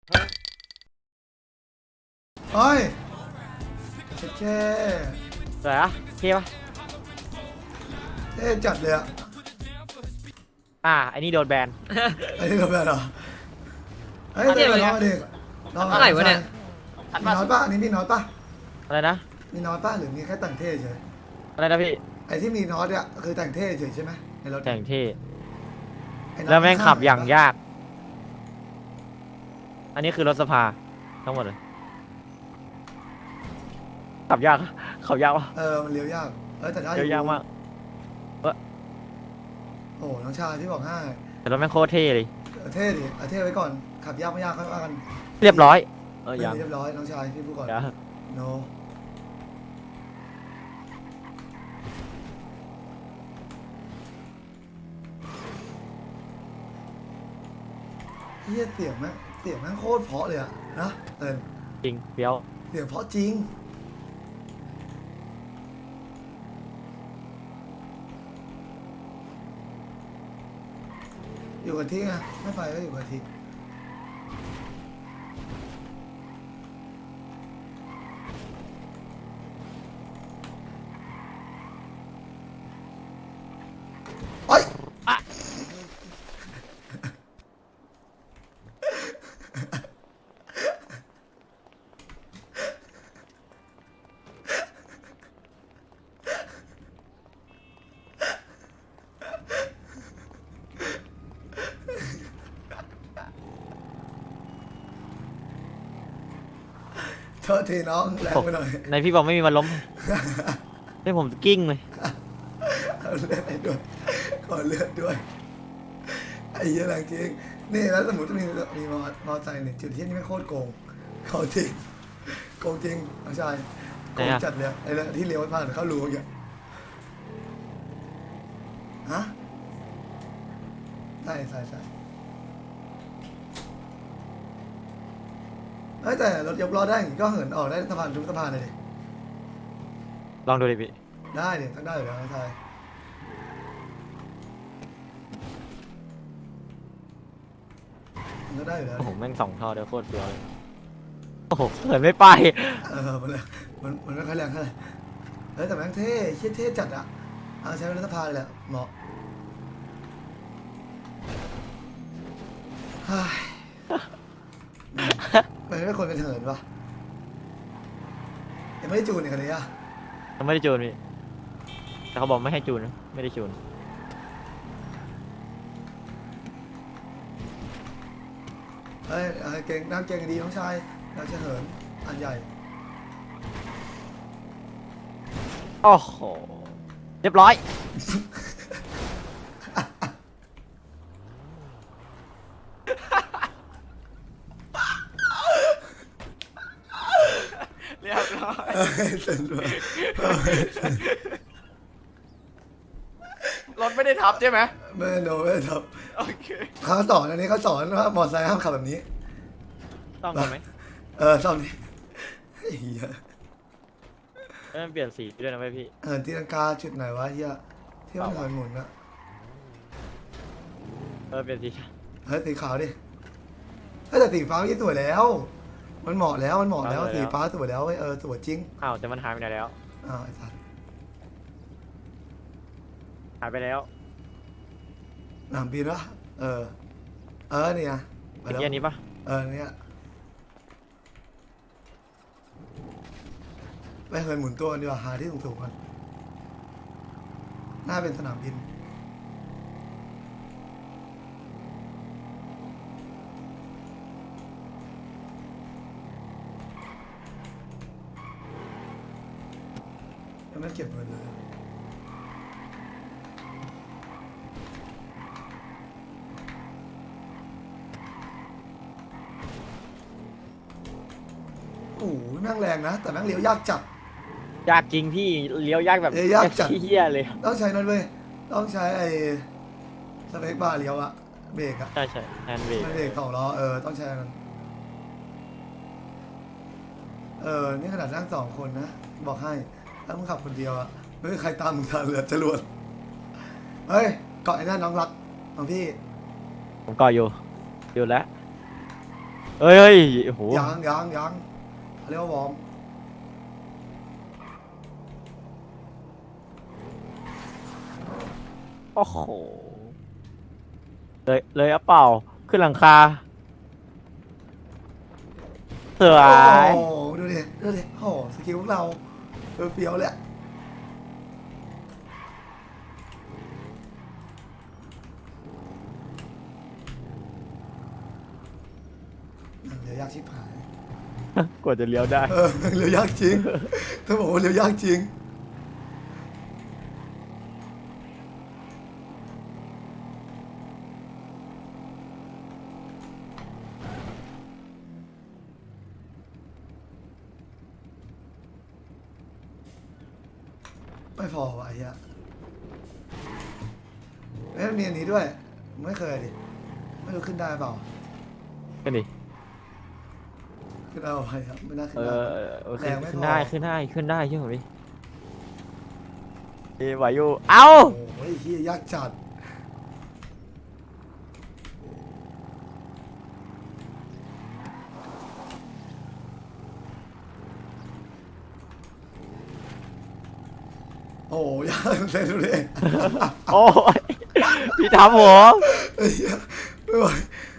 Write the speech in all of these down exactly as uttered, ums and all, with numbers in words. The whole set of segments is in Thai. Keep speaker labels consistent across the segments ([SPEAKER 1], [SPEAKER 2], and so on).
[SPEAKER 1] เฮ้ยเช่เช่
[SPEAKER 2] สวยอะเท่ปะ
[SPEAKER 1] เท่จัดเลยอ่ะ
[SPEAKER 2] อ่าไอ้นี่โดนแบน
[SPEAKER 1] ไอ้นี่เราแบบเหรอเฮ้ย
[SPEAKER 3] เท่
[SPEAKER 1] เด็ก
[SPEAKER 3] เลย
[SPEAKER 1] น้อยเด็กน้อง
[SPEAKER 3] เท่าไหร่วะเนี่ย
[SPEAKER 1] มีน้อยป่ะอันนี้มีน้อยป่ะ
[SPEAKER 2] อะไรนะ
[SPEAKER 1] มีน้อยป่ะหรือมีแค่แต่งเท่เฉย
[SPEAKER 2] อะไรนะพี่
[SPEAKER 1] ไอ้ที่มีน้อยเนี่ยคือแต่งเท่เฉยใช่ไหมในรถ
[SPEAKER 2] แต่งเท่
[SPEAKER 1] ไอ้น้อย
[SPEAKER 2] แล้วแม่งขับอย่าง
[SPEAKER 1] ข้
[SPEAKER 2] ยาก อันนี้คือรถสภาทั้งหมดเลยขับยากขับยากวะ
[SPEAKER 1] เออมันเลี้ยวยากเออแต่ได้อ
[SPEAKER 2] เลี้ยวยากมาก
[SPEAKER 1] โอ้น้องชายพี่บอกให้
[SPEAKER 2] แต่รถแม่งโคตรเท่เลย
[SPEAKER 1] เออเท่ดิเอาเท่ไว้ก่อนขับยากไม่ยากค่อยว่ากัน
[SPEAKER 2] เรียบร้อยเออ
[SPEAKER 1] ไม่
[SPEAKER 2] ยัง
[SPEAKER 1] มีเรียบร้อยน้องชายพี่พูดก่อน
[SPEAKER 2] ยัง
[SPEAKER 1] โนเฮียเสียงแม่งเสียงแม่งโคตรเพราะเลยอะนะเออ
[SPEAKER 2] จริงเฟี้ยว
[SPEAKER 1] เสียงเพราะจริงอยู่กับที่ไงไม่ไปก็อยู่กับที่ไอ้ย โทษทีน้องแรงไปหน่อย
[SPEAKER 2] ในพี่บอกไม่มีวันล้มให้ผมกิ้งเลย
[SPEAKER 1] เอาเลือดให้ด้วยขอเลือดด้วยไอ้เหี้ยแรงจริงนี่แล้วสมมติมีมีมอมอใจเนี่ยจุดที่นี่ไม่งโคตรโกงเขาจริงโกงจริงน้องชายโกง
[SPEAKER 2] ไหนอะ
[SPEAKER 1] จัดเลยไอ้เรื่องที่เลี้ยวไม่ผ่านเข้ารูอย่างเงี้ยฮะใช่ใช่ใช่เอ้ยแต่รถยกล้อได้อย่างงี้ก็เหินออกได้สะพานทุกสะพานเลยดิ
[SPEAKER 2] ลองดูดิพี่
[SPEAKER 1] ได้เนี่ยต้องได้อยู่แล้วน้องชายมันก็ได้อยู่แล้ว
[SPEAKER 2] โอ้โหแม่งสองท่อเดียวโคตรเฟี้ยวเลยโอ้โหเหินไม่ไป
[SPEAKER 1] เออมันเลยมันมันไม่ค่อยแรงเท่าไหร่เฮ้ยแต่แม่งเท่เชี่ยเท่จัดอะเอาใช้เป็นรัฐสภาเลยแหละเหมาะเฮ้ยมันไม่ควรเป็นเหินวะยังไม่ได้จูนอีกคันนี้อะ
[SPEAKER 2] ยังไม่ได้จูนพี่แต่เขาบอกไม่ให้จูนนะไม่ได้จูน
[SPEAKER 1] เฮ้ยเออเก่งน้ำเก่งดีน้องชายเราจะเหินอันใหญ่
[SPEAKER 2] โอ้โหเรียบร้อย เรียบร้อย
[SPEAKER 1] เอ้ยเสร็จแล้วเอ้ยเสร็จ
[SPEAKER 2] รถไม่ได้ทับใช่ไหม
[SPEAKER 1] ไม่โนไม่ทับ
[SPEAKER 2] โอเค
[SPEAKER 1] เขาสอนอันนี้เขาสอนว่ามอเตอร์ไซค์ห้ามขับแบบนี้
[SPEAKER 2] ต้องกันไหม
[SPEAKER 1] เออซ่อมดิเฮ้ยเหี้ย
[SPEAKER 2] เอ้ยมันเปลี่ยนสีด้วยนะเว้ยพี่
[SPEAKER 1] เออที่ลังกาจุดไหนวะเฮียที่มันถอยหมุนอะ
[SPEAKER 2] เออเปลี่ยนสี
[SPEAKER 1] เฮ้ยสีขาวดิเฮ้ยแต่สีฟ้าไม่สวยแล้ว มันเหมาะแล้วมันเหมาะแล้วสีฟ้าสวยแล้วเว้ยเออสวยจริง
[SPEAKER 2] อ้าวแต่มันหายไปไหนแล้ว
[SPEAKER 1] อ้าวไอ้สัส
[SPEAKER 2] หายไปแล้ว
[SPEAKER 1] หนามบินวะเออเออเนี่ยไป
[SPEAKER 2] เมื่อ
[SPEAKER 1] แล้ว
[SPEAKER 2] กี้อันนี้ปะ
[SPEAKER 1] เออเนี่ยไปเหินหมุนตัวกันดีกว่าหาที่สูงๆกันน่าเป็นสนามบินยังไม่เก็บเงินเลยโอ้โหแม่งแรงนะ แต่แม่งเลี้ยวยากจัด
[SPEAKER 2] ยากจริงพี่เลี้ยวยากแบบ
[SPEAKER 1] เอ้ยยากจัด
[SPEAKER 2] เฮี้ยเลย
[SPEAKER 1] ต้องใช้นั่นเว้ยต้องใช้ไอ้สเปคบาร์เลี้ยวอะเบรกอะ
[SPEAKER 2] ใช่ใช่แฮนด์เบรก
[SPEAKER 1] ไม่เบรกสองล้อเออต้องใช้อันนั้นเออนี่ขนาดนั่งสองคนนะบอกให้ถ้ามึงขับคนเดียวอะไม่มีใครตามมึงทันเลยจรวดเฮ้ยเกาะไอ้นั่นน้องรักของพี่
[SPEAKER 2] ผมก่ออยู่อยู่แล้วเอ้ยเอ้ยโอ้โห
[SPEAKER 1] ยังยังยังเขาเรียกว่าวอร์ม
[SPEAKER 2] โอ้โหเลยเลยอะเปล่าขึ้นหลังคาสว
[SPEAKER 1] โอ้
[SPEAKER 2] ย
[SPEAKER 1] โหดูดิดูดิโอ้โหสกิลพวกเราเฟี้ยวๆเลยอะเรือยากชิบหาย
[SPEAKER 2] กว่าจะเลี้ยวได้
[SPEAKER 1] เออเรือยากจริงถ้าบอกว่าเรือยากจริงไม่พอวะไอ้เหี้ยเอ้ยมันมีอันนี้ด้วย ไม่เคยดิ ไม่รู้ขึ้นได้เปล่า
[SPEAKER 2] กันดิ
[SPEAKER 1] ขึ้นได้เปล่าไอ้ครับไม่น่าขึ้
[SPEAKER 2] เอน
[SPEAKER 1] ได้
[SPEAKER 2] อโอเค
[SPEAKER 1] แรงไม่พอ
[SPEAKER 2] ขึ้นได้ขึ้นได้ขึ้นได้เชื่อผมดิเอ้ยไหวอยู่เอ้า
[SPEAKER 1] โอ้ยเฮียยากจัด โอ้ยยากเล่นดูดิ
[SPEAKER 2] โอ้ยพี่ทำผม
[SPEAKER 1] ไอ้เหี้ยไม่ไหว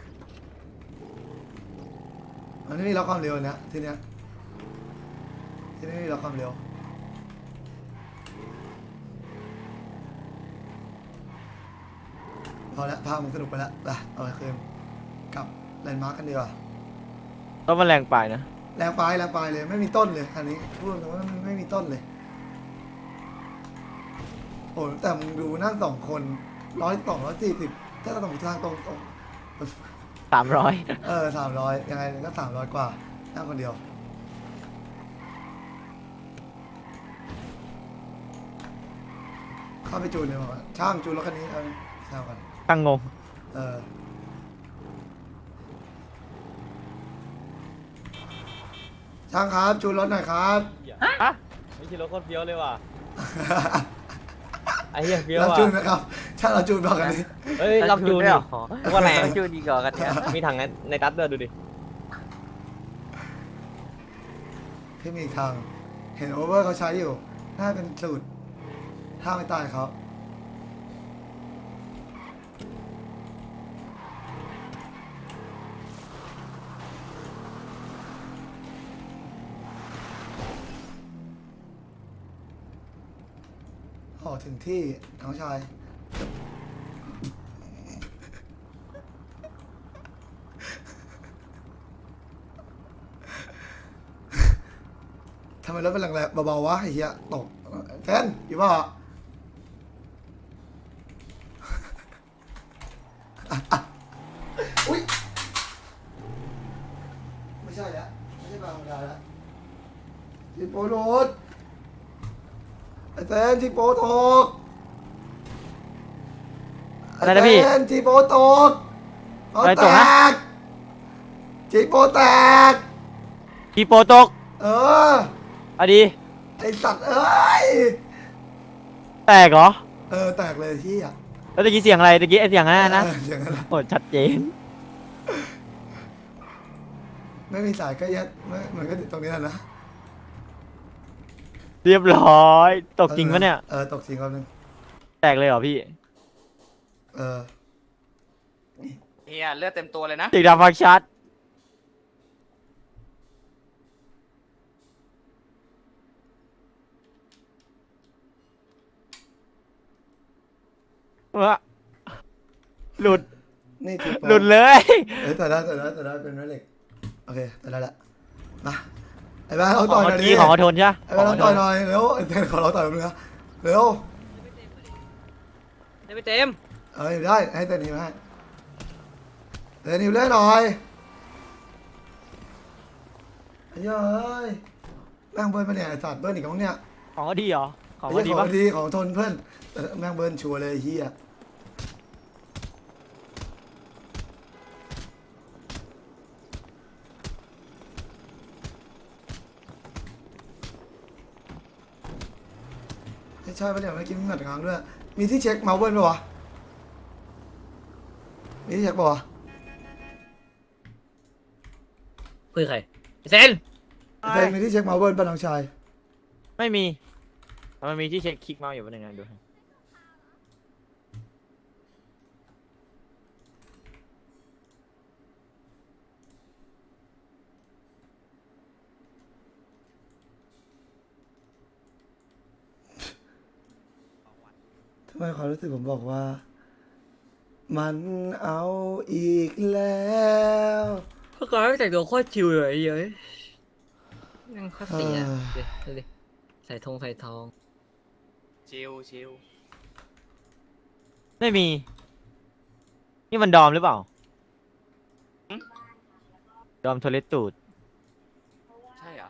[SPEAKER 1] อันนี้มีล็อกความเร็วนะทีเนี้ยทีนี้มีล็อกความเร็วพอแล้วภาพมันสนุกไปแล้วไปเอาไปคืนกลับแลนด์มาร์กกันดีกว่า
[SPEAKER 2] ต้องมาแรงไปนะ
[SPEAKER 1] แรงปลายแรงปลายเลยไม่มีต้นเลยคันนี้พูดตรงๆว่ามันไม่มีต้นเลยโอ้แต่มึงดูนั่งสองคนร้อยสองร้อยสี่สิบถ้าเราต้องทางตรงตรง
[SPEAKER 2] สามร้อย
[SPEAKER 1] เออสามร้อยยังไงก็สามร้อยกว่านั่งคนเดียวเข้าไปจูนเลยบอกว่าช่างจูนรถคันนี้เอาช่างก่อน
[SPEAKER 2] ตั้งงง
[SPEAKER 1] เออช่างครับจูนรถหน่อยครับ
[SPEAKER 2] ฮะไม่ใช่รถโคตรเฟี้ยวเลยว่ะไอ้เหี้ยเฟี้ยว
[SPEAKER 1] เรา
[SPEAKER 2] ว่ะ
[SPEAKER 1] จูนนะครับช่างเราจูนบอกกันนี้
[SPEAKER 2] เฮ้ยลองจูนดิว่าแรง
[SPEAKER 3] จูนดีกว่ากันเนี่ย
[SPEAKER 2] มีถังในในตัดด้วยดูดิ
[SPEAKER 1] พี่มีอีกทางเห็นโอเวอร์เขาใช้อยู่น่าเป็นสูตรถ้าไม่ตายเขาออกถึงที่น้องชาย ทำไมรถเป็นแรงๆเบาๆวะไอ้เหี้ยตกแทนอยู่ป่ะ อุ้ยไม่ใช่แล้วไม่ใช่บางธรรมดาแล้วจิโปโดดไอ้แทนจิโปตก
[SPEAKER 2] อะไรนะพี่
[SPEAKER 1] แทนจิโปตกเอา
[SPEAKER 2] อะไร
[SPEAKER 1] แต
[SPEAKER 2] ตกนะ
[SPEAKER 1] กจิโปแตก
[SPEAKER 2] กีโปตก
[SPEAKER 1] เออ
[SPEAKER 2] อะดี
[SPEAKER 1] ไอสัตว์เอ้ย
[SPEAKER 2] แตกเหรอ
[SPEAKER 1] เออแตกเลยที่อ่ะ
[SPEAKER 2] แล้วตะกี้เสียงอะไรตะกี้ไอ้เสียงอะไรนะ
[SPEAKER 1] เอออย่างนั้นแหละ
[SPEAKER 2] โอ้ชัดเจน
[SPEAKER 1] ไม่มีสายก็ยัดไม่เหมือนก็ตรงนี้แหละนะ
[SPEAKER 2] เรียบร้อยตกจริงปะเนี่ย
[SPEAKER 1] เออตกจริงครับนึง
[SPEAKER 2] แตกเลยเหรอพี่
[SPEAKER 1] เออ
[SPEAKER 3] เฮียเลือดเต็มตัวเลยนะ
[SPEAKER 2] ติดดำฟังชัดวะหลุด
[SPEAKER 1] นี่จิโป
[SPEAKER 2] หลุดเลย
[SPEAKER 1] เออแต่ได้แต่ได้แต่ได้เป็นแม่เหล็กโอเคแต่ได้ละมาไอ้บ้าเอาต่อยหน่อยดิ
[SPEAKER 2] ของเขาทนใช่ปะ
[SPEAKER 1] ไอ้บ้าเราต่อยหน่อยเร็วไอ้แทนขอเราต่อยมึงนะเร็ว
[SPEAKER 3] ได้ไปเต็ม
[SPEAKER 1] เออได้ให้เต้นนิวให้เต้นนิวเล่นหน่อยไอ้เหี้ยเอ้ยแม่งเบิร์นมาเนี่ยไอ้สัตว์เบิร์นอีกแล้วเนี่ย
[SPEAKER 2] ของเขาดีเหรอของ
[SPEAKER 1] ไอ้
[SPEAKER 2] เขา
[SPEAKER 1] เหี้
[SPEAKER 2] ดี
[SPEAKER 1] ยข
[SPEAKER 2] ปะ
[SPEAKER 1] องดีของทนเพื่อนแต่แม่งเบิร์นชัวร์เลยไอ้เฮียไม่ใช่ปะเนี่ยไม่อกินมึงหนัดกลางด้วยมีที่เช็คเมาส์เบิร์นปะวะมีที่เช็คปะวะ
[SPEAKER 4] คุยกับใครเซน
[SPEAKER 1] เพลงมีที่เช็คมาเบิร์นป้าน้องชาย
[SPEAKER 2] ไม่มีแต่มันมีที่เช็คคลิกเมาส์อยู่วันหนึ่งนะดูให้
[SPEAKER 1] ทำไมความรู้สึกผมบอกว่า มันเอาอีกแล้ว
[SPEAKER 4] เขากลายเป็นแต่งตัวโคตรชิวเลยไอ้เหี้ยนั่งโคตรเสีย
[SPEAKER 1] เออ
[SPEAKER 4] ดูดิดูดิใส่ธงใส่ทอง
[SPEAKER 3] ชิลชิล
[SPEAKER 2] ไม่มี นี่มันดอมหรือเปล่า ดอมโทเลตตูด
[SPEAKER 3] ใช่เหรอ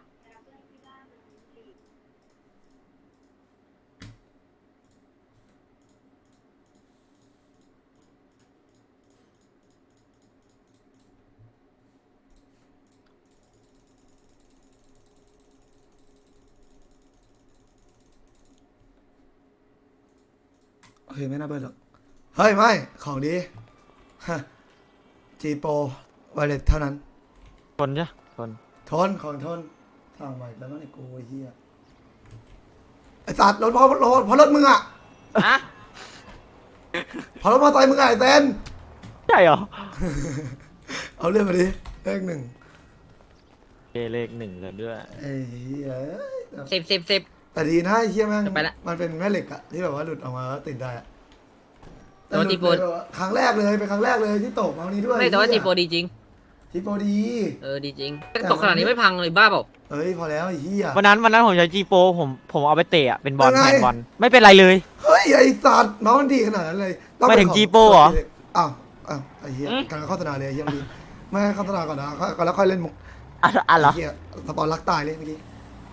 [SPEAKER 1] โอเคไม่น่าเบิร์นหรอก เฮ้ย ไม่ ของดีฮะจีโปไวเลตเท่านั้น
[SPEAKER 2] ทนใช่ทน
[SPEAKER 1] ทน ของทนสั่งใหม่แล้วมั้งไอ้กูไอ้เหี้ยไอ้สัตว์รถพอรถพอรถมึงอ่ะ
[SPEAKER 3] ฮะ
[SPEAKER 1] พอรถมอเตอร์ไซค์มึงอ่ะไอ้เต้น
[SPEAKER 2] ใช่เหรอ
[SPEAKER 1] เอาเรื่องมาดิเลขหนึ่ง
[SPEAKER 2] เอเลขหนึ่งเลยด้วย
[SPEAKER 1] ไอ้เหี้ย
[SPEAKER 4] สิบสิบสิบ
[SPEAKER 1] แต่ดีนะไอ้เหี้ยแม่ง
[SPEAKER 4] จะไปละ
[SPEAKER 1] มันเป็นแม่เหล็กอะที่แบบว่าหลุดออกมาแล้วติดได้อะ
[SPEAKER 4] แต่ว่า
[SPEAKER 1] หลุด
[SPEAKER 4] จีโป
[SPEAKER 1] เลยแบบว่าครั้งแรกเลยเป็นครั้งแรกเลยที่ตกมาวันนี้ด้วย
[SPEAKER 4] ไม่แต่ว่า
[SPEAKER 1] ไอ้
[SPEAKER 4] จี
[SPEAKER 1] เหี้ย
[SPEAKER 4] โปดีจริง
[SPEAKER 1] จีโปดี
[SPEAKER 4] เออดีจริงตกขนาดนี้ไม่พังเลยบ้าเปล่า
[SPEAKER 1] เอ้ยพอแล้วไอ้เหี้ย
[SPEAKER 2] วันนั้นวันนั้นผมใช้จีโปผมผมเอาไปเตะอะเป็นบอล
[SPEAKER 1] เป็นไง
[SPEAKER 2] แทนบอลไม่เป็นไรเลย
[SPEAKER 1] เฮ้ยไอ้สัตว์น้องมันดีขนาดนั้นเลยต้อง
[SPEAKER 2] ไม่
[SPEAKER 1] เป็น
[SPEAKER 2] ถึง
[SPEAKER 1] ของ
[SPEAKER 2] G-Pro เหรอ
[SPEAKER 1] อ้าวอ้าวไอ้เหี้ยการโฆษณาเลยไอ้เหี้ยเมื่อกี้ไม่ให้โฆษณาก่อนนะก่อนแล้วค่อยเล่นมุก
[SPEAKER 2] อ่ะอ่ะเหรอ
[SPEAKER 1] ไอ้เหี้ยสปอนรักตายเลยเมื่อกี้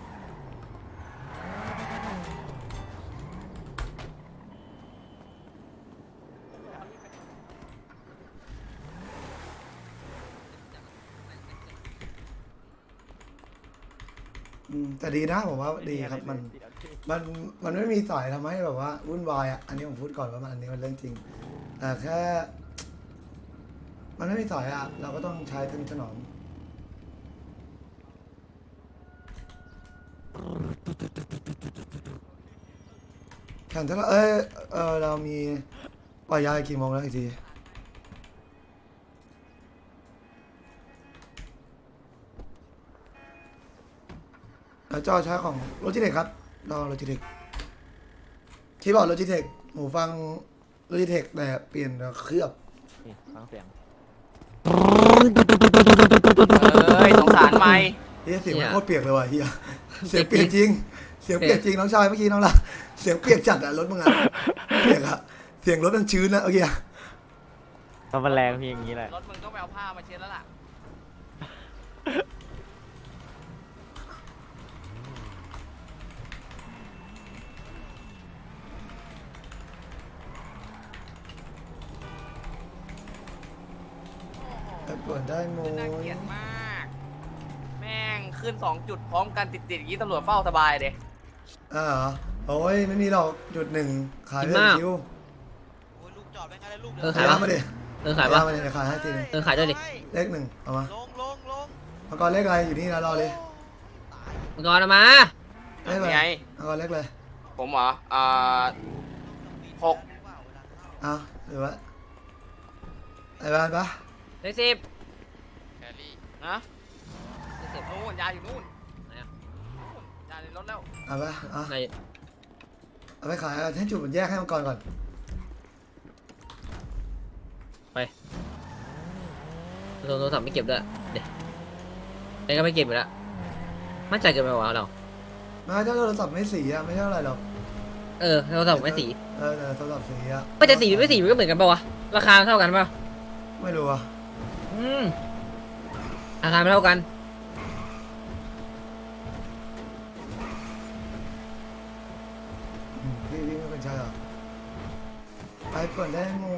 [SPEAKER 1] อืมแต่ดีนะผมว่าดีครับมัน มันมันไม่มีสายทำให้แบบว่าวุ่นวายอ่ะ อันนี้ผมพูดก่อนว่ามันอันนี้มันเรื่องจริง แต่แค่ มันไม่มีสายอ่ะ เราก็ต้องใช้ทนุถนอมแข่งเท่าไหร่เอ้ยเออเรามีปล่อยยากี่โมงแล้วอีกทีแล้วจอใช้ของโลจิเทคครับลองโลจิเทคคีย์บอร์ดโลจิเทคหูฟังโลจิเทคแต่เปลี่ยนเคลือบ
[SPEAKER 2] นี่ฟังเสียง
[SPEAKER 3] เอ้ยสงสารไหม
[SPEAKER 1] เฮียเสียงมันโคตรเปียกเลยว่ะเฮียเสียงเปียกจริง เสียงเปียกจริงน้องชายเมื่อกี้น้องละเสียงเปียกจัดอะรถมึงอะเปียกอะเสียงรถมันชื้นนะโอเคอะ
[SPEAKER 2] มันแรงเพียงอย่างนี้แหละ
[SPEAKER 3] รถมึงต้องไปเอาผ้ามาเช็ดแล้วล่ะ
[SPEAKER 1] ไปเปิดได้โม
[SPEAKER 3] น่าเกลียดมาก แม่งขึ้นสองจุดพร้อมกันติดๆอย่างนี้ตำรวจเฝ้าสบายเด้
[SPEAKER 1] อ่าเหรอโอ้ยไม่มีหรอกจุดหนึ่งขายเรื่องคิว
[SPEAKER 4] เออ
[SPEAKER 1] ขา
[SPEAKER 4] ขาย ยปะ
[SPEAKER 1] มาดิ
[SPEAKER 4] เออขายปะ
[SPEAKER 1] มาดิเดี๋ยวขายให้ทีหนึง
[SPEAKER 4] เออขายด้วยดิ
[SPEAKER 1] เลขหนึ่งเอามา
[SPEAKER 5] ลงลงลง
[SPEAKER 1] เอาก่อนเลขอะไรอยู่นี่นะรอเลย
[SPEAKER 4] มังกรเอามา
[SPEAKER 1] เลขอะไร
[SPEAKER 3] นี่ไง
[SPEAKER 1] เอาก่อนเลขเลย
[SPEAKER 3] ผมเหรอ อ่าหก
[SPEAKER 1] เอาหรือว่าไอ้บ้านปะ
[SPEAKER 4] เลขสิบ
[SPEAKER 5] แครี่
[SPEAKER 3] นะ
[SPEAKER 4] เลขสิบ
[SPEAKER 3] นู่นยาอยู่นู่น
[SPEAKER 4] ไหนอะ
[SPEAKER 3] นู่นยาในรถแล้ว
[SPEAKER 1] เอาปะเอา
[SPEAKER 4] ไหน
[SPEAKER 1] เอาไปขายเอาให้จุดมันแยกให้มันก่อนก่อน
[SPEAKER 4] โทรโทรศัพท์ไม่เก็บด้วยเดี๋ยวไอ้ก็ไม่เก็บอยู่แล้วมั่นใจเกินไปวะเรา
[SPEAKER 1] ไมาเจ้าโทรศัพท์ไม่สีอะไม่ใช่อะไรหรอก
[SPEAKER 4] เออโทรศัพท์ไม่สี
[SPEAKER 1] เออแต่โทรศัพท์สีอะ
[SPEAKER 4] ไม่แต่สีหรือไม่สีมันก็เหมือนกันปะวะราคาเท่ากันปะ
[SPEAKER 1] ไม่รู้อะ
[SPEAKER 4] อืมราคาไม่เท่ากัน
[SPEAKER 1] อืมพี่พี่ไม่เป็นใจหรอไปเปิดได้โม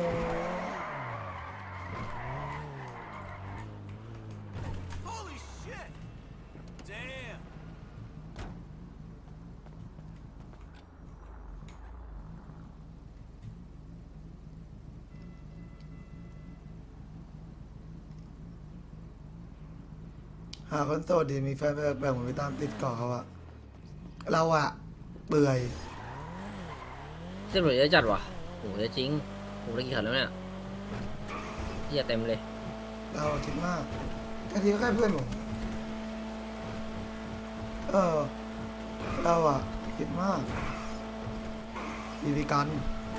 [SPEAKER 1] หาคนโสดดีมีแฟนแบบแบบเหมือนไปตามติดเกาะเขาอะเราอะเบื่อย
[SPEAKER 4] ตำรวจเยอะจัดว่ะโหเยอะจริงโหได้กี่คันแล้วเนี่ยเหี้ยเต็มเลย
[SPEAKER 1] เราคิดมากแค่ทีก็แค่เพื่อนผมเออเราอะคิดมากมีพิการ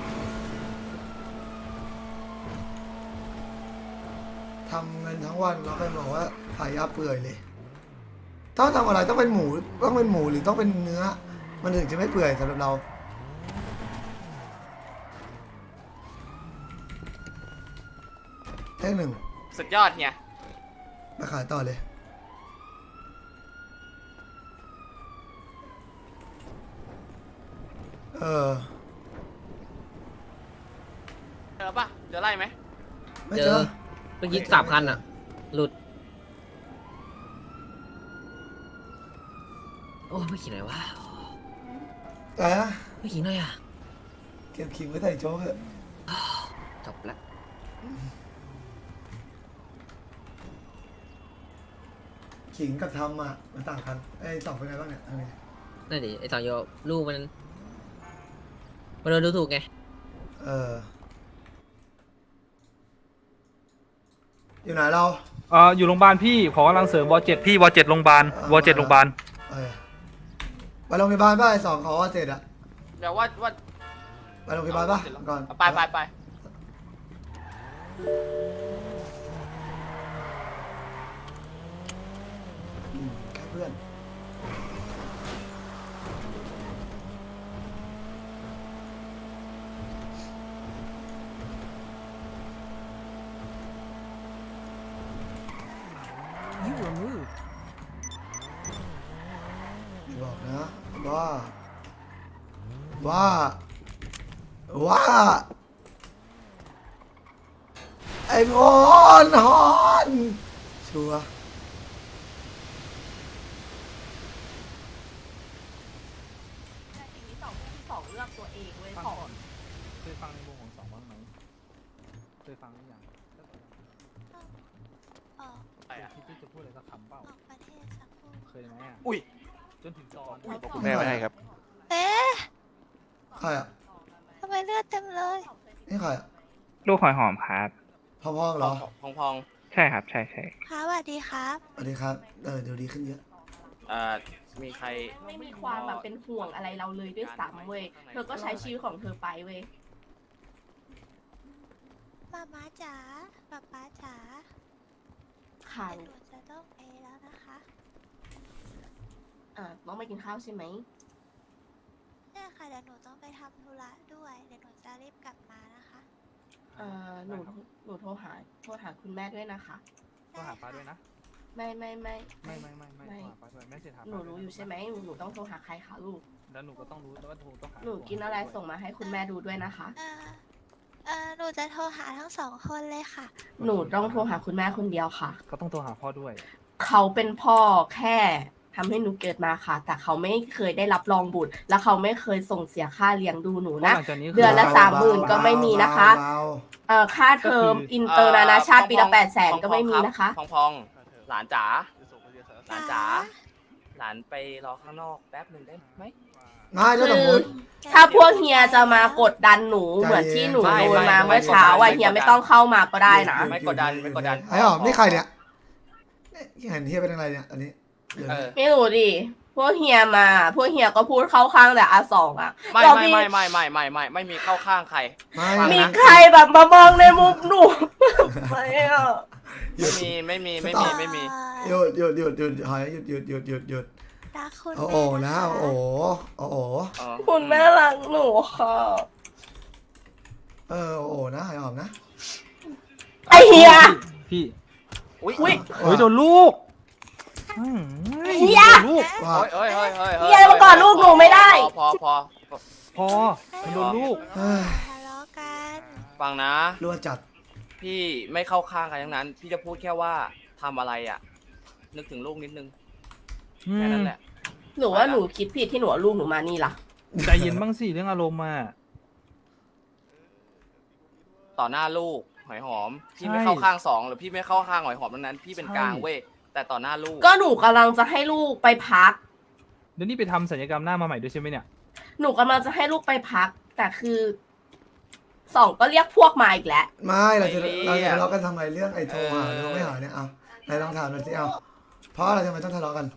[SPEAKER 1] ทำเงินทั้งวันเราก็บอกว่าขายยาเปื่อยเลยถ้าทำอะไรต้องเป็นหมูต้องเป็นหมูหรือต้องเป็นเนื้อ มันถึงจะไม่เปื่อยสำหรับเราเลขหนึ่ง
[SPEAKER 3] สุดยอดเฮีย
[SPEAKER 1] มาขายต่อเลย เออ
[SPEAKER 3] เจอปะเจอไล่ไหม
[SPEAKER 1] ไม่
[SPEAKER 4] เจ
[SPEAKER 1] เจ
[SPEAKER 4] อ
[SPEAKER 1] อ
[SPEAKER 4] เมื่อกี้สามคันอ่ะ หลุด โอ้ไม่ขี่ไหนวะ
[SPEAKER 1] แต่นะ
[SPEAKER 4] ไม่ขี่ไหนอ่ะ
[SPEAKER 1] เก็บขิงไว้ใส่โจ๊กเถอะ
[SPEAKER 4] จบละ
[SPEAKER 1] ขิงกับทำอ่ะมันต่างกันไอ้สองเป็นไงบ้างเนี่ยอันนี้
[SPEAKER 4] นั่นดิไอสองโยลูกมันมันโดนดูถูกไง
[SPEAKER 1] เออ อยู่ไหนเรา
[SPEAKER 6] เอ่ออยู่โรงพยาบาลพี่ขอกำลังเสริมวเจ็ดพี่วเจ็ดโรงพยาบาลวเจ็ดโรงพยาบาล
[SPEAKER 1] เออไปโรงพยาบาลป่ะไอ้สองขอเสร็จอะ
[SPEAKER 3] เดี๋ยวว่าว่า
[SPEAKER 1] ไปโรงพยาบาลป่ะก่อน
[SPEAKER 3] ไปไปไป
[SPEAKER 1] อืมแค่เพื่อน
[SPEAKER 7] You were moved.
[SPEAKER 1] บอกนะว่า ว่า ว่า ไอ้งอนฮอนชัวร์
[SPEAKER 8] ทีนี้สองที่สองเลือกตัวเองเว้ยสอง
[SPEAKER 6] เคยฟังในวงของสองบ้างไหมเคยฟังหรือยัง
[SPEAKER 8] ออก
[SPEAKER 3] ไปอ่ะ
[SPEAKER 6] ที่จะพูดอะไรสักคำเปล่า
[SPEAKER 8] ออกประเทศสักครู่
[SPEAKER 6] เคยไหมอ่ะ
[SPEAKER 3] อุ้ย
[SPEAKER 6] จนถึงตอน
[SPEAKER 3] อุ้ย
[SPEAKER 1] แม่ไม่ให้ครับ
[SPEAKER 8] เอ๊ะ
[SPEAKER 1] ใครอ่ะ
[SPEAKER 8] ทำไมเลือดเต็มเลย
[SPEAKER 1] นี่ใครอ่ะ
[SPEAKER 9] ลูกหอยหอมครับ
[SPEAKER 1] พ่อพ่อเหรอ
[SPEAKER 3] พองพอง
[SPEAKER 9] ใช่ครับใช่ใช่
[SPEAKER 8] ครับสวัสดีครับ
[SPEAKER 1] สวัสดีครับ เออเดี๋ยวดีขึ้นเยอะ
[SPEAKER 3] เอ่อมีใคร
[SPEAKER 10] ไม่มีความแบบเป็นห่วงอะไรเราเลยด้วยซ้ำเว้ย เธอก็ใช้ชีวิตของเธอไปเว้ย
[SPEAKER 8] มาม้าจ๋าป๊าป๊าจ๋า
[SPEAKER 10] ค่ะ
[SPEAKER 8] เดี๋ยวหนูจะต้องไปแล้วนะคะ
[SPEAKER 10] อ่าต้องไปกินข้าวใช่ไหม
[SPEAKER 8] ใช่ค่ะเดี๋ยวหนูต้องไปทำธุระด้วย เดี๋ยวหนูจะรีบกลับมานะคะ
[SPEAKER 10] เอ่อ หนู หนูโทรหา โทรหาคุณแม่ด้วยนะคะ
[SPEAKER 6] โทรหาป้าด้วยนะ
[SPEAKER 10] ไม่ไม่ไม่
[SPEAKER 6] ไม่ไม่ไม่ไม่
[SPEAKER 10] ไม่
[SPEAKER 6] โทรหาป้าด้วยแม่เสร็จหา
[SPEAKER 10] หนูรู้อยู่ใช่ไหมหนูหนูต้องโทรหาใครคะลูก
[SPEAKER 6] แล้วหนูก็ต้องรู้แล้วว่าโทรต้องหา
[SPEAKER 10] หนูกินอะไรส่งมาให้คุณแม่ดูด้วยนะคะ
[SPEAKER 8] เออเออหนูจะโทรหาทั้งสองคนเลยค่ะ
[SPEAKER 10] หนูต้องโทรหาคุณแม่คนเดียวค่ะ
[SPEAKER 6] ก็ต้องโทรหาพ่อด้วย
[SPEAKER 10] เขาเป็นพ่อแค่ทำให้หนูเกิดมาค่ะ แต่เขาไม่เคยได้รับรองบุตร และเขาไม่เคยส่งเสียค่าเลี้ยงดูหนูนะ
[SPEAKER 6] หลังจากนี้คือ
[SPEAKER 10] เดือนละสามหมื่นก็ไม่มีนะคะ
[SPEAKER 1] เบา
[SPEAKER 10] เอ่อค่าเทอม
[SPEAKER 6] ก็คือ
[SPEAKER 10] อินเตอร์นานาชาติปีละ
[SPEAKER 3] พองๆ
[SPEAKER 10] แปดแสนก็ไม่มีนะคะ
[SPEAKER 3] พองพองหลานจ๋าหลานจ๋า
[SPEAKER 8] จ๋า
[SPEAKER 3] หลานไปรอข้างนอกแป๊บหนึ่งได้ไหม
[SPEAKER 1] ๆง่ายแล้วสมมติ
[SPEAKER 10] ถ้าพวกเฮียจะมากดดันหนูเหมือนที่หนู
[SPEAKER 3] ไม่
[SPEAKER 10] โดน
[SPEAKER 3] ไม่
[SPEAKER 10] มา
[SPEAKER 3] ไม่
[SPEAKER 10] เมื่อเช้า
[SPEAKER 3] ไม่
[SPEAKER 10] อ่ะ
[SPEAKER 3] กดดัน
[SPEAKER 10] เฮียไม่ต้องเข้ามาก็ได้นะ
[SPEAKER 3] ไม่กดดันไม่กดดัน
[SPEAKER 1] ไอ้หอมนี่ใครเนี่ยนี่เห็นเฮียเป็นอะไรเนี่ย อันนี้เดี๋ยว
[SPEAKER 3] เอ
[SPEAKER 1] นะ
[SPEAKER 3] อ
[SPEAKER 10] ไม่รู้ดิพวกเฮียมา พวกเฮียก็พูดเข้าข้างแต่อาสองอ่ะ
[SPEAKER 3] ไม่
[SPEAKER 10] เรา
[SPEAKER 3] ไม่
[SPEAKER 10] มี
[SPEAKER 3] ไม่ไม่ไม่ไม่ไม่ไม่มีเข้าข้างใคร
[SPEAKER 1] ไม่
[SPEAKER 3] ฟัง
[SPEAKER 10] มี
[SPEAKER 3] นะ
[SPEAKER 10] ใครแบบมามองในมุมหนู ไม่อ่ะ
[SPEAKER 3] ไม่มีไม่มีไม่มีไม่มี
[SPEAKER 1] หยุดหยุดหยุดหยุดหอยหยุดหยุดหยุดหยุดหยุด
[SPEAKER 8] รักคุณ
[SPEAKER 1] เอา
[SPEAKER 8] แม่
[SPEAKER 1] โอ้นะ
[SPEAKER 8] ค
[SPEAKER 1] เอาโอ้เอาโอ้
[SPEAKER 3] อ๋อ
[SPEAKER 10] คุณแม่รักหนูค่ะ
[SPEAKER 1] เออเอาโอ้นะไอ้หอมนะ
[SPEAKER 10] ไอเฮีย
[SPEAKER 6] พี่
[SPEAKER 3] อุ้ย
[SPEAKER 10] อุ๊ย
[SPEAKER 6] โอ้ยโดนลูกอืม
[SPEAKER 10] เฮีย
[SPEAKER 6] โดนลูก
[SPEAKER 1] ว่า
[SPEAKER 3] เฮ้ยเฮ้ยเฮ้ยเฮ้ย
[SPEAKER 10] เฮียมาก่อนลูกหนูไม่ได้
[SPEAKER 3] พอพอพอ
[SPEAKER 6] พอมันโดนลูก
[SPEAKER 1] เฮ้ย
[SPEAKER 8] ทะเลาะกัน
[SPEAKER 3] ฟังนะ
[SPEAKER 1] รั่วจัด
[SPEAKER 3] พี่ไม่เข้าข้างใครทั้งนั้น พี่จะพูดแค่ว่าทำอะไรอ่ะ นึกถึงลูกนิดนึง
[SPEAKER 6] อื
[SPEAKER 3] แค่
[SPEAKER 6] ม
[SPEAKER 3] นั้นแหละ
[SPEAKER 10] หนูว่าหนูคิดผิดที่หนูเอาลูกหนูมานี่ล่ะ
[SPEAKER 6] ใจเย็นบ้างสิเรื่องอารมณ์อ่ะ
[SPEAKER 3] ต่อหน้าลูกหอยหอม พี่
[SPEAKER 6] ใช่
[SPEAKER 3] ไม่เข้าข้างสองหรือพี่ไม่เข้าข้างหอยหอมทั้งนั้น พี่เป็น
[SPEAKER 6] ใช่
[SPEAKER 3] กลางเว้ยแต่ต่อหน้าลูก
[SPEAKER 10] ก็หนูกำลังจะให้ลูกไปพัก
[SPEAKER 6] เดี๋ยวนี้ไปทำศัลยกรรมหน้ามาใหม่ด้วยใช่ไหมเนี่ย
[SPEAKER 10] หนูกำลังจะให้ลูกไปพัก แต่คือสองก็เรียกพวกมาอีกแล้ว
[SPEAKER 1] ไม่เราจะ
[SPEAKER 3] ไม่เรียก
[SPEAKER 1] เราจะทะเลาะกันทำไมเรื่องไอ้โทรหา
[SPEAKER 3] เออ
[SPEAKER 1] โทรไม่หาเนี่ยเอาไหนลองถามหน่อยสิเอาเพราะอะไรทำไมต้องทะเลาะกัน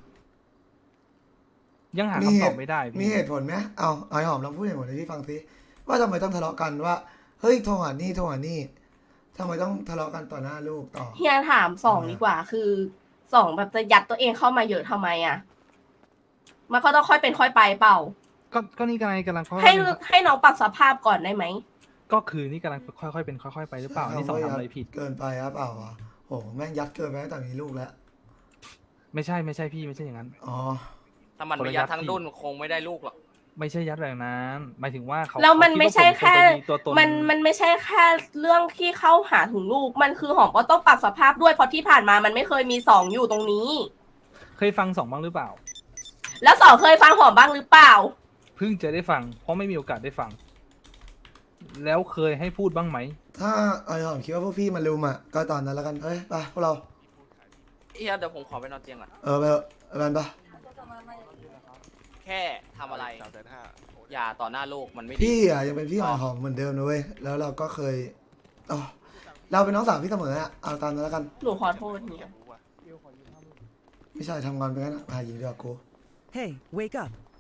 [SPEAKER 6] ยังหา
[SPEAKER 1] มี
[SPEAKER 6] คำ
[SPEAKER 1] เห
[SPEAKER 6] ตอบ
[SPEAKER 1] ตุ
[SPEAKER 6] ไม่ได้
[SPEAKER 1] มี
[SPEAKER 6] พี่
[SPEAKER 1] เหตุผลไหมเอาไอ้หอมลองพูดเหตุผลให้พี่ฟังสิว่าทำไมต้องทะเลาะกันว่าเฮ้ยโทรหานี่โทรหานี่ทำไมต้องทะเลาะกันต่อหน้าลูกต่อ
[SPEAKER 10] เฮียถามสองดีกว่า คือสองแบบจะยัดตัวเองเข้ามาเยอะทำไมอ่ะ มันก็ต้องค่อยเป็นค่อยไปเปล่า
[SPEAKER 6] ก็ก็นี่กำลังกำลังค่อย
[SPEAKER 10] ให้ให้น้องปรับสภาพก่อนได้ไหม
[SPEAKER 6] ก็คือนี่กำลังค่อยๆเป็นค่อยๆไปหรือเปล่านี่สองทำอะไรผิด
[SPEAKER 1] เกินไปครับเปล่าอ่ะโอ้แม่งยัดเกินไปตั้งแต่มีลูกแล้ว
[SPEAKER 6] ไม่ใช่ไม่ใช่พี่ไม่ใช่อย่างนั้น
[SPEAKER 1] อ๋อ
[SPEAKER 3] ถ้ามัน
[SPEAKER 6] คน
[SPEAKER 3] ไม่
[SPEAKER 6] ละ
[SPEAKER 3] ยั
[SPEAKER 6] ยั
[SPEAKER 3] ด
[SPEAKER 6] ด
[SPEAKER 3] ทั้ง
[SPEAKER 6] ที่
[SPEAKER 3] ดุนคงไม่ได้ลูกหรอก
[SPEAKER 6] ไม่ใช่ยัดแบบนั้นหมายถึงว่าเขา
[SPEAKER 10] แล้วมัน
[SPEAKER 6] เขาด
[SPEAKER 10] ไม่ใช่
[SPEAKER 6] ว่าผ
[SPEAKER 10] แค่
[SPEAKER 6] เป็นตัวตน
[SPEAKER 10] มันมันไม่ใช่แค่เรื่องที่เข้าหาถึงลูก มันคือหอมก็ต้องปรับสภาพด้วยเพราะที่ผ่านมามันไม่เคยมีสองอยู่ตรงนี้
[SPEAKER 6] เคยฟังสองบ้างหรือเปล่า
[SPEAKER 10] แล้วสองเคยฟังหอมบ้างหรือเปล่า
[SPEAKER 6] เพิ่งจะได้ฟัง เพราะไม่มีโอกาสได้ฟัง แล้วเคยให้พูดบ้างไหม
[SPEAKER 1] ถ้าไอ้หอมคิดว่าพวกพี่มาลุมอ่ะก็ตอนนั้นแล้วกันเอ้ยไปพวกเรา
[SPEAKER 3] เฮียเดี๋ยวผมขอไปนอนเตียงก่อน
[SPEAKER 1] เออไปเถอะไปกันปะ
[SPEAKER 3] แค่ทำอะไร อย่าต่อหน้าลูกมันไม่ดี
[SPEAKER 1] พี่อ่ะยังเป็นพี่หอยหอมเหมือนเดิมนะเว้ยแล้วเราก็เคยอ๋อเราเป็นน้องสาวพี่เสมออ่ะเอาตามนั้นแล้วกัน
[SPEAKER 10] หนูขอโทษเนี่ย
[SPEAKER 1] ไม่ใช่ทำงานไปงั้นอะหาหญิงดีกว่ากู
[SPEAKER 7] Hey, wake up.